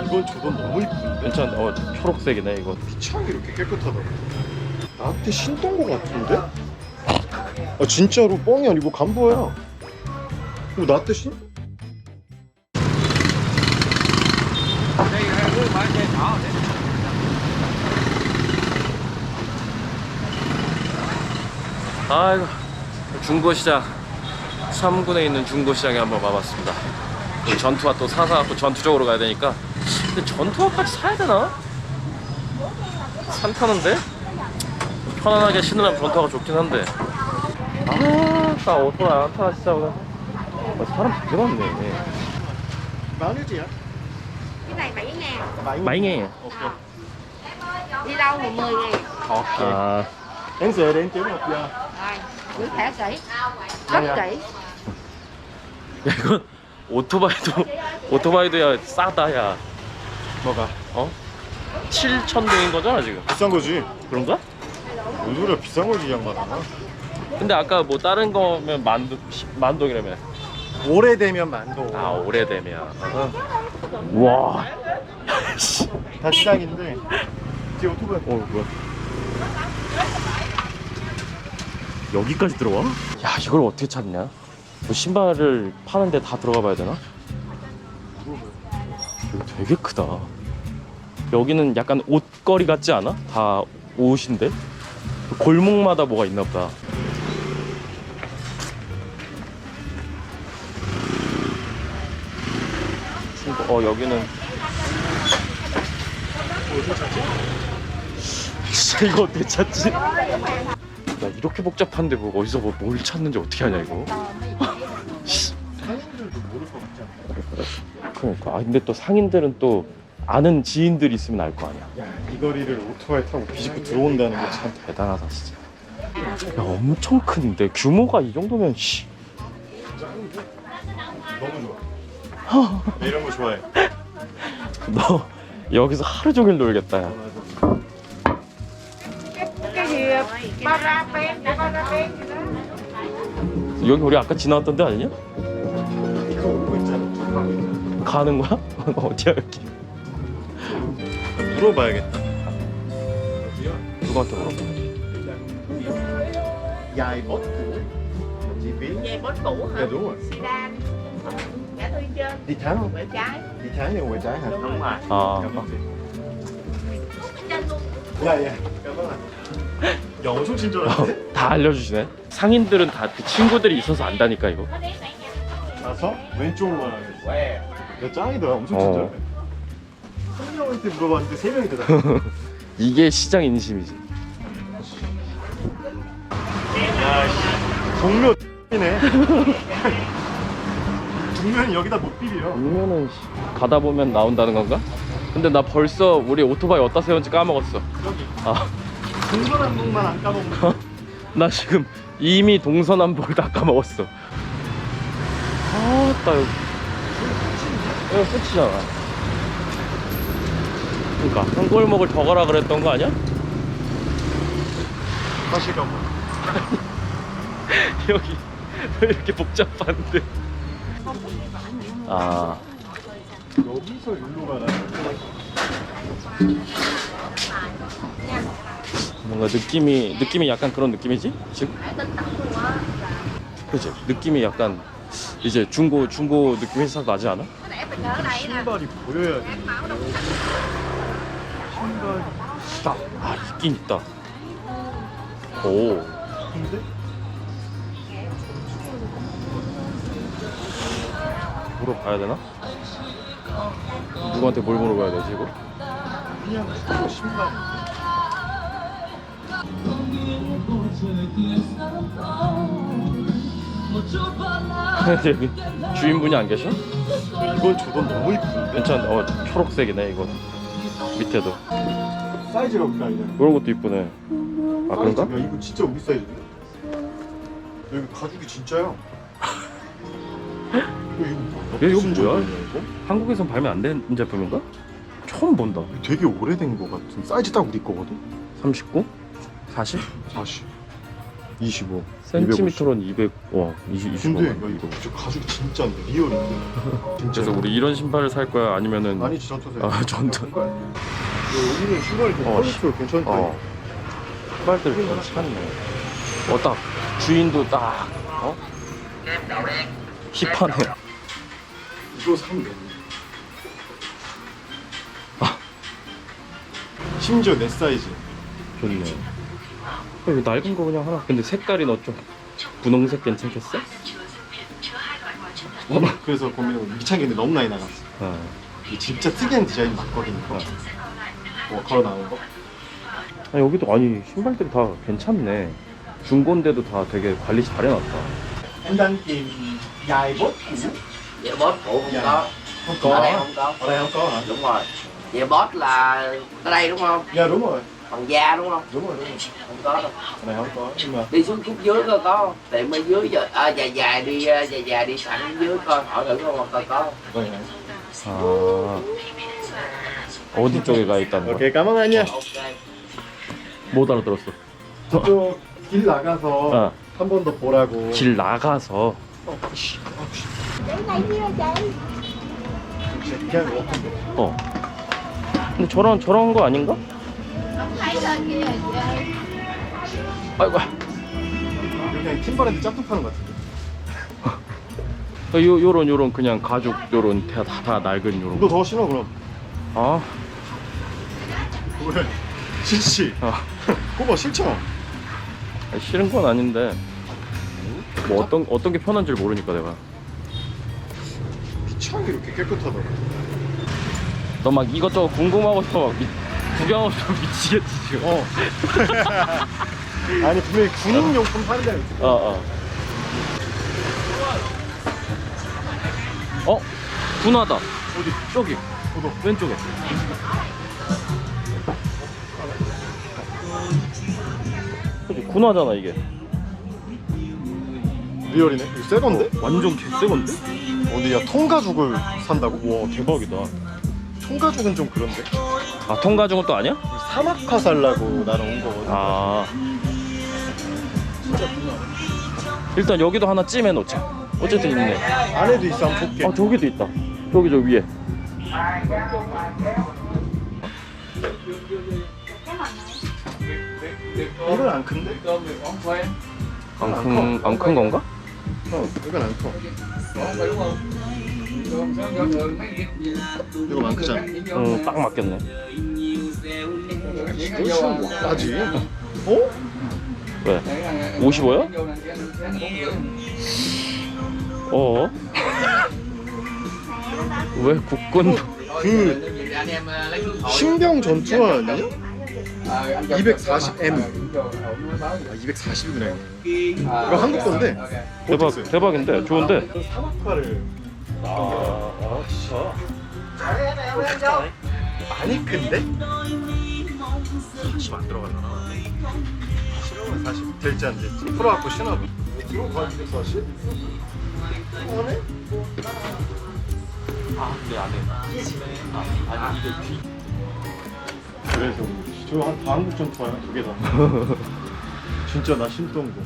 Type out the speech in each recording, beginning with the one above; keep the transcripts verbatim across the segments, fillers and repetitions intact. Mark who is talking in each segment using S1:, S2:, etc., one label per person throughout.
S1: 이건 저건 너무 이쁜데?
S2: 괜찮아. 어, 초록색이네 이거.
S1: 피창이 이렇게 깨끗하다고. 나한테 신던 거 같은데? 아 진짜로 뻥이 아니고 간보야. 어, 나한테 신?
S2: 아이고, 중고시장 삼 군에 있는 중고시장에 한번 와봤습니다. 전투화 또 사사갖고 전투적으로 가야 되니까. 근데 전투화까지 사야 되나? 산타는데? 편안하게 신으려면 전투화가 좋긴 한데. 아, 나 오토바이 안 타나 진짜 오늘. 아, 사람 되게 많네.
S1: Bao nhiêu chị ạ?
S3: Cái này bảy ngàn.
S2: 마잉해.
S1: Ok.
S3: Đi đâu mà mười ngàn.
S1: Ok.
S2: 아,
S1: Em về để em kiếm một giờ.
S3: Rồi, giữ thẻ kỹ. Rất kỹ.
S2: 야 이건 오토바이도 오토바이도야 싸다 야.
S1: 뭐가?
S2: 어? 칠천 동인 거잖아 지금.
S1: 비싼 거지.
S2: 그런가?
S1: 뭔 소리야, 비싼 거지 이 양반아.
S2: 근데 아까 뭐 다른 거면 만두 만동이라며.
S1: 오래되면 만도.
S2: 아 오래되면. 와.
S1: 다 시작인데. 뒤에 오토바이.
S2: 어 뭐야? 여기까지 들어와? 야 이걸 어떻게 찾냐? 뭐 신발을 파는데 다 들어가 봐야 되나? 이거 되게 크다. 여기는 약간 옷거리 같지 않아? 다 옷인데? 골목마다 뭐가 있나 보다. 친구, 어 여기는 진짜 이거 어떻게 찾지? 야 이렇게 복잡한데 뭐 어디서 뭐 뭘 찾는지 어떻게 하냐 이거.
S1: 사람들도 모를 것 같지 않아?
S2: 그러니까. 아 근데 또 상인들은 또 아는 지인들이 있으면 알 거 아니야.
S1: 야, 이 거리를 오토바이 타고 비집고 들어온다는 게 참.
S2: 대단하다 진짜. 야 엄청 큰데 규모가 이 정도면 씨.
S1: 너무 좋아. 나 이런 거 좋아해.
S2: 너 여기서 하루 종일 놀겠다 야.
S3: Cái gì? Paraben, paraben gì đó.
S2: 여기 우리 아까 지나왔던 데 아니냐?
S1: 이거 오고 있잖아.
S2: 가는 거야? 어디야 여기?
S1: 물어봐야겠다.
S2: 누구한테 물어봐.
S1: Dài bốt cũ. Chị biết.
S3: Về bốt cũ hả?
S1: Dạ đúng rồi.
S3: Sedan. Ngã tư trên.
S1: Đi trái không?
S3: Quẹo trái.
S1: Đi trái nhưng ngoài trái hả?
S3: Đúng rồi.
S2: 아
S1: Cảm ơn chị. Dạ dạ. Cảm ơn ạ. 야 엄청 친절한데?
S2: 다 알려주시네. 상인들은 다 그 친구들이 있어서 안다니까 이거.
S1: 가서 왼쪽으로만 하겠어. 야 짱이다. 엄청
S2: 어.
S1: 친절해. 한 명한테 물어봤는데 세 명이 대답해.
S2: 이게 시장 인심이지.
S1: 야씨. 동묘 이네. 동묘는 여기다 못 비벼.
S2: 아니면은 가다 보면 나온다는 건가? 근데 나 벌써 우리 오토바이 어디다 세운지 까먹었어.
S1: 여기.
S2: 아,
S1: 동서남북만 안 까먹으면.
S2: 나 지금 이미 동서남북을 다 까먹었어. 아따 여기 여기 끝이잖아. 그러니까 한 골목을 더 가라 그랬던 거 아니야?
S1: 다시 가보.
S2: 여기 왜 이렇게 복잡한데? 아,
S1: 여기서 일로 가나?
S2: 뭔가 느낌이 느낌이 약간 그런 느낌이지 지금? 그치? 느낌이 약간 이제 중고 중고 느낌이 살짝 나지 않아?
S1: 신발이 보여야 돼. 신발.
S2: 있다. 아 있긴 있다. 오.
S1: 근데
S2: 물어봐야 되나? 누구한테 뭘 물어봐야 되지 이거?
S1: 그냥 신발.
S2: 여기 주인분이 안 계셔?
S1: 이건 저건 너무 이쁜데?
S2: 괜찮아. 어 초록색이네 이거. 밑에도
S1: 사이즈가 없다 이제.
S2: 이런 것도 이쁘네. 아 그런가?
S1: 야 이거 진짜 우리 사이즈인데? 여기 가죽이 진짜야. 야, 이거 뭐야?
S2: 야, 이거
S1: 무슨
S2: 뭐야?
S1: 재질이야, 이거?
S2: 한국에선 발매 안 된 제품인가? 처음 본다.
S1: 되게 오래된 거 같은 사이즈 딱 우리 거거든?
S2: 삼십구? 사십?
S1: 사십. 이십오.
S2: 센티미터로는 이백. 와, 이십, 이십오.
S1: 근데 야, 이거 저 가죽이 진짜인데 리얼인데. 진짜.
S2: 그래서 우리 이런 신발을 살 거야 아니면은
S1: 아니지 전투세.
S2: 아, 전투.
S1: 여기는 신발이 좀
S2: 어,
S1: 퀄리티가 괜찮다.
S2: 어. 신발들 괜찮네. 어, 딱 주인도 딱 어? 힙하네.
S1: 이거 사면 되네.
S2: 아.
S1: 심지어 내 사이즈.
S2: 좋네. 이거 낡은 거 그냥 하나. 근데 색깔이 너 좀 분홍색 괜찮겠어?
S1: 어? 그래서 고민하고 미창기인데 너무 많이 나갔어.
S2: 아,
S1: 이 진짜 특이한 디자인 맞거든 이거. 뭐 걸어 나온 거.
S2: 아, 여기도 아니 신발들이 다 괜찮네. 중고인데도 다 되게 관리 잘 해놨다.
S1: Em đang tìm dài bốt cũ.
S4: Dạ boss cũ không
S1: Dạ.
S4: có.
S1: Không
S4: Ở
S1: có.
S4: đây không có.
S1: Ở đây không có hả?
S4: Đúng rồi. Dạ boss là ở đây đúng không?
S1: Dạ đúng rồi.
S4: Bằng da đúng không?
S1: Đúng rồi đúng rồi.
S4: Không có đâu.
S1: Ở đây không có nhưng mà
S4: Đi xuống khúc dưới coi có không? Tiệm ở dưới giờ à, dài dài đi à, dài dài đi sẵn dưới coi hỏi thử không coi có không?
S1: vậy này.
S2: 아, 어디 쪽에 가 있다는 거야?
S1: 오케이 cảm ơn anh nha.
S4: Ok.
S2: 못 알아들었어.
S1: 저쪽 길 나가서
S2: 어.
S1: 한 번 더 보라고.
S2: 길 나가서.
S1: 그냥 워킹.
S2: 어. 근데 저런 저런 거 아닌가? 아이고.
S1: 그냥 팀버랜드 짝퉁 파는 것 같은데.
S2: 요 요런 요런 그냥 가죽 요런 다, 다, 다 낡은 요런
S1: 너
S2: 거.
S1: 더 신어 그럼.
S2: 아,
S1: 왜? 싫지.
S2: 아,
S1: 꼬봐 싫죠.
S2: 싫은 건 아닌데 뭐 어떤 어떤 게 편한지 모르니까 내가.
S1: 피창이 이렇게 깨끗하더라.
S2: 너 막 이것저것 궁금하고 싶어 막 미, 구경하고 싶어 미치겠지 지금.
S1: 어. 아니 분명히 군인용품 파는 데가 있어.
S2: 어, 어. 어? 분하다.
S1: 어디?
S2: 저기
S1: 보도.
S2: 왼쪽에. 그치, 군화잖아 이게.
S1: 리얼이네. 이거 새 건데?
S2: 완전 개새 건데?
S1: 어디야? 통가죽을 산다고?
S2: 와 대박이다.
S1: 통가죽은 좀 그런데.
S2: 아 통가죽은 또 아니야?
S1: 사막화 살라고 나는 온 거거든.
S2: 아. 일단 여기도 하나 찜해 놓자. 어쨌든 있네.
S1: 안에도 있어. 한번 볼게.
S2: 아 저기도 있다. 저기 저 위에.
S1: 이건 안 큰데?
S2: 안 큰 안 큰 건가?
S1: 어, 이건 안 커. 이거 안 크잖아.
S2: 응, 딱 맞겠네.
S1: 훨씬 와지. 어?
S2: 왜? 오십오야? 어? 왜 국군?
S1: 그 신병 전투화 아니야? 이백사십 엠. 아 이백사십이구나. 이거 한국 건데.
S2: 대박
S1: 보텍스.
S2: 대박인데 좋은데.
S1: 그 사막화를. 아, 진짜. 많이 큰데? 사십 안 들어가잖아. 신으면 사십 될지 안 될지 풀어갖고 신어봐. 들어가는데 사십? 안에?
S2: 아, 네 안에. 아, 아니 이게 뒤.
S1: 그래서 저한 다 한국 전투화야 두 개 다. 진짜 나 신던 거.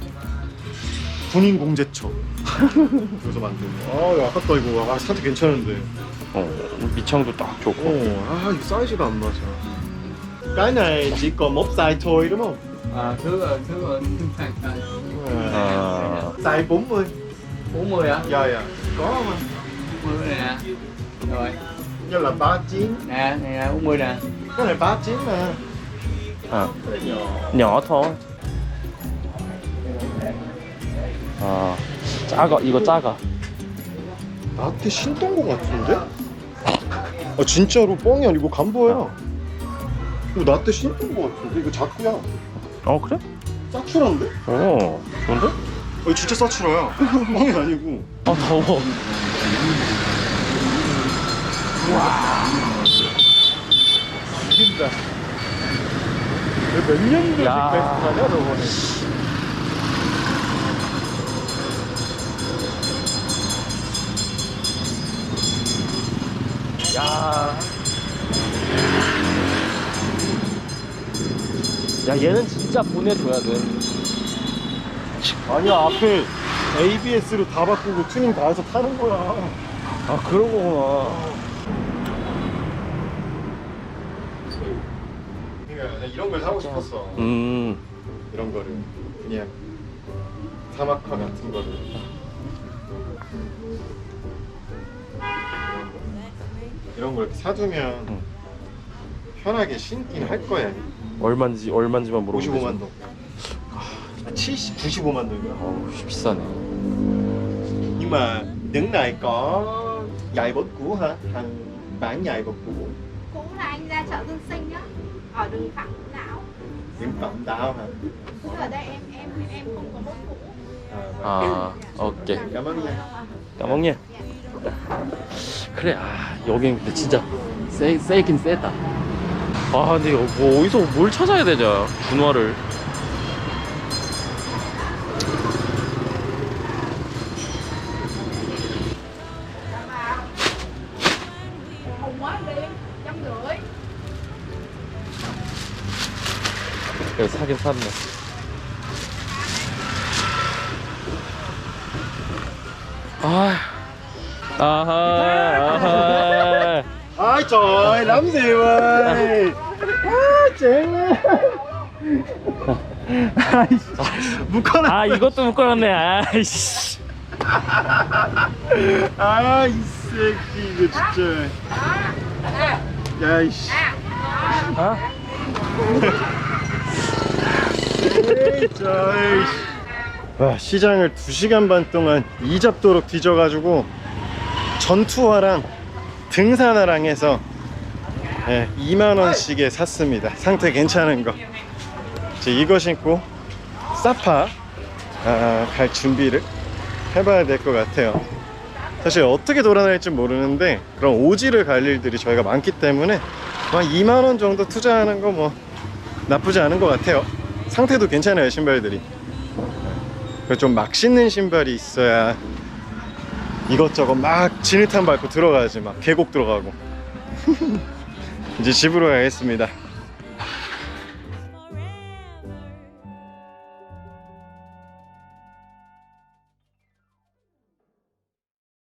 S1: 군인 공제처. 그래서 만든 거. 아 이거 아깝다 이거. 아 상태 괜찮은데.
S2: 어, 밑창도 딱 좋고.
S1: 어, 아 이거 사이즈가 안 맞아. Cái này chỉ còn một size thôi đúng không?
S4: À, thứ thứ
S2: 아,
S1: Size bốn mươi.
S4: bốn mươi hả?
S1: Dạ dạ. Có không anh?
S4: bốn mươi nè. Rồi.
S1: Như là ba chín.
S4: Nè, này là bốn mươi nè.
S1: Cái này ba chín mà.
S2: 아,
S1: Cái này nhỏ.
S2: nhỏ thôi. 아, 작아. 이거 작아.
S1: 나한테 신던 거 같은데? 아 진짜로 뻥이 아니고 간보야. 이거 나한테 신던 거 같은데? 이거 자꾸야.
S2: 어 그래?
S1: 사추라인데?
S2: 어, 좋은데?
S1: 어 이거 진짜 사추라야. 뻥이 아니고.
S2: 아 더워.
S1: 죽인다. 몇 년도
S2: 야.
S1: 직배스 사냐 저번에.
S2: 야. 야 얘는 진짜 보내줘야 돼.
S1: 아니야, 앞에 에이비에스로 다 바꾸고 튜닝 다 해서 타는 거야.
S2: 아 그런 거구나.
S1: 그러니까 나 이런 걸 사고 싶었어.
S2: 음.
S1: 이런 거를 그냥 사막화 같은 거를. 이런 걸 이렇게 사두면
S2: 응.
S1: 편하게 신긴 할 거야.
S2: 얼마인지 얼마인지만 물어보면
S1: 오십오만
S2: 되죠.
S1: 동. 아, 칠십, 구십오만 동이야.
S2: 어우 비싸네.
S1: Nhưng mà đứng này có giày bốt cũ hả? Thằng bán giày bốt cũ.
S3: Cũ là anh ra chợ Dân Sinh á, ở đường Phạm Ngũ Lão.
S1: Điểm cộng đau hả?
S3: Cũ ở đây em em em không có bốt cũ.
S1: À,
S2: 아 오케이.
S1: cảm ơn nha.
S2: 까먹냐? 그래 아 여긴 근데 진짜 세, 세긴 세다. 아 근데 뭐 어디서 뭘 찾아야 되냐 준화를.
S3: Hùng quá đi, trăm rưỡi.
S2: 그래 사긴 샀네. 아 아하 아하.
S1: Ôi trời ơi, lắm gì ơi. 아, 쟤네. 묶어놔.
S2: 아 이것도 묶어놨네. 아이씨.
S1: 아, 이 새끼 이거 진짜. 야, 이씨.
S2: 아?
S1: 에이, 저, 와, 시장을 두 시간 반 동안 이잡도록 뒤져가지고 전투화랑 등산화랑 해서 예, 이만 원씩에 샀습니다. 상태 괜찮은 거. 이제 이거 신고 사파 아, 갈 준비를 해봐야 될 것 같아요. 사실 어떻게 돌아다닐지 모르는데 그런 오지를 갈 일들이 저희가 많기 때문에 한 이만 원 정도 투자하는 거 뭐 나쁘지 않은 것 같아요. 상태도 괜찮아요, 신발들이. 좀 막 신는 신발이 있어야 이것저것 막 진흙탕 밟고 들어가야지. 막 계곡 들어가고. 이제 집으로 가겠습니다.